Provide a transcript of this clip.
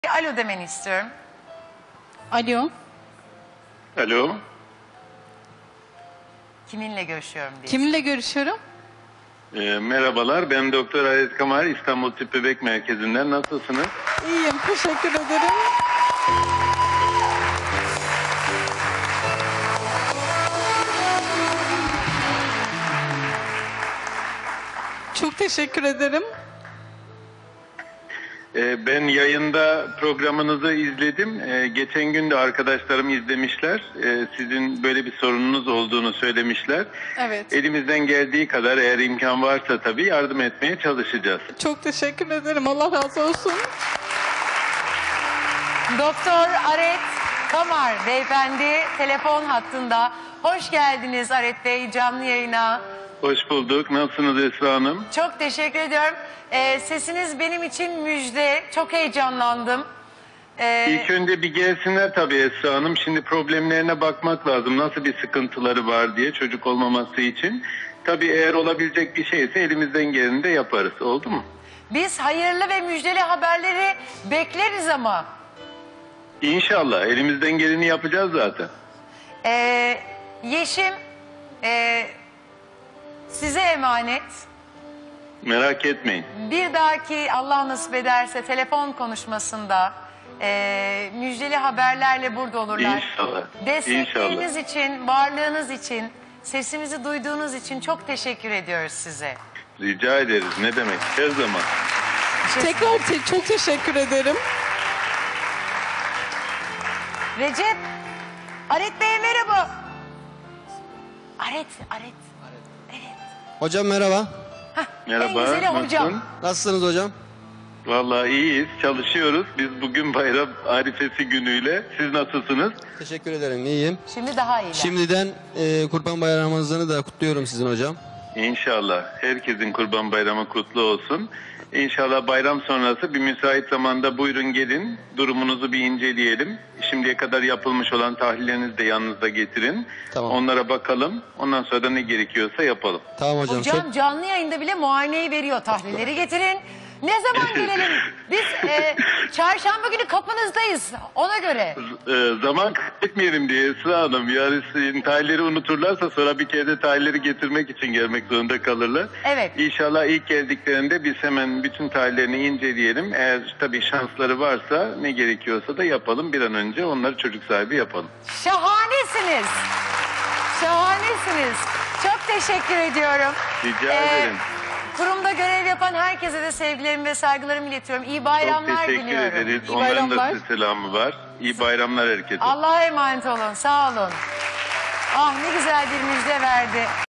Alo demeni istiyorum. Alo. Alo. Kiminle görüşüyorum diye. Kiminle görüşüyorum? Merhabalar, ben Doktor Aret Kamal, İstanbul Tıp Bebek Merkezi'nden. Nasılsınız? İyiyim, teşekkür ederim. Çok teşekkür ederim. Ben yayında programınızı izledim. Geçen gün de arkadaşlarım izlemişler. Sizin böyle bir sorununuz olduğunu söylemişler. Evet. Elimizden geldiği kadar, eğer imkan varsa tabii, yardım etmeye çalışacağız. Çok teşekkür ederim. Allah razı olsun. Doktor Aret Kamar beyefendi telefon hattında. Hoş geldiniz Aret Bey canlı yayına. Hoş bulduk. Nasılsınız Esra Hanım? Çok teşekkür ediyorum. Sesiniz benim için müjde. Çok heyecanlandım. İlk önce bir gelsinler tabii Esra Hanım. Şimdi problemlerine bakmak lazım. Nasıl bir sıkıntıları var diye, çocuk olmaması için. Tabii eğer olabilecek bir şeyse elimizden geleni de yaparız. Oldu mu? Biz hayırlı ve müjdeli haberleri bekleriz ama. İnşallah. Elimizden geleni yapacağız zaten. Yeşim size emanet. Merak etmeyin. Bir dahaki Allah nasip ederse telefon konuşmasında müjdeli haberlerle burada olurlar. İnşallah. Destekleriniz için, varlığınız için, sesimizi duyduğunuz için çok teşekkür ediyoruz size. Rica ederiz. Ne demek? Her zaman. Tekrar çok teşekkür ederim. Recep, Aret Bey'e merhaba. Aret. Evet. Hocam merhaba. Merhaba. En güzeli hocam. Nasılsın? Nasılsınız hocam? Vallahi iyiyiz. Çalışıyoruz. Biz bugün bayram arifesi günüyle. Siz nasılsınız? Teşekkür ederim. İyiyim. Şimdi daha iyi. Şimdiden Kurban Bayramınızı da kutluyorum sizin hocam. İnşallah. Herkesin Kurban Bayramı kutlu olsun. İnşallah bayram sonrası bir müsait zamanda buyurun gelin. Durumunuzu bir inceleyelim. Şimdiye kadar yapılmış olan tahlillerinizi de yanınızda getirin. Tamam. Onlara bakalım. Ondan sonra da ne gerekiyorsa yapalım. Tamam hocam. Hocam canlı yayında bile muayeneyi veriyor. Tahlilleri getirin. Ne zaman gelelim? Biz çarşamba günü kapınızdayız. Ona göre. Zaman kaybetmeyelim diye Esra Hanım. Yani sizin tahlilleri unuturlarsa sonra bir kere de tahlilleri getirmek için gelmek zorunda kalırlar. Evet. İnşallah ilk geldiklerinde biz hemen bütün tahlillerini inceleyelim. Eğer tabii şansları varsa ne gerekiyorsa da yapalım. Bir an önce onları çocuk sahibi yapalım. Şahanesiniz. Şahanesiniz. Çok teşekkür ediyorum. Rica ederim. Kurumda görev yapan herkese de sevgilerimi ve saygılarımı iletiyorum. İyi Çok bayramlar teşekkür diliyorum. ederiz. İyi Onların da bayramlar. size selamı var. İyi bayramlar herkese. Allah'a emanet olun. Sağ olun. Ah ne güzel bir müjde verdi.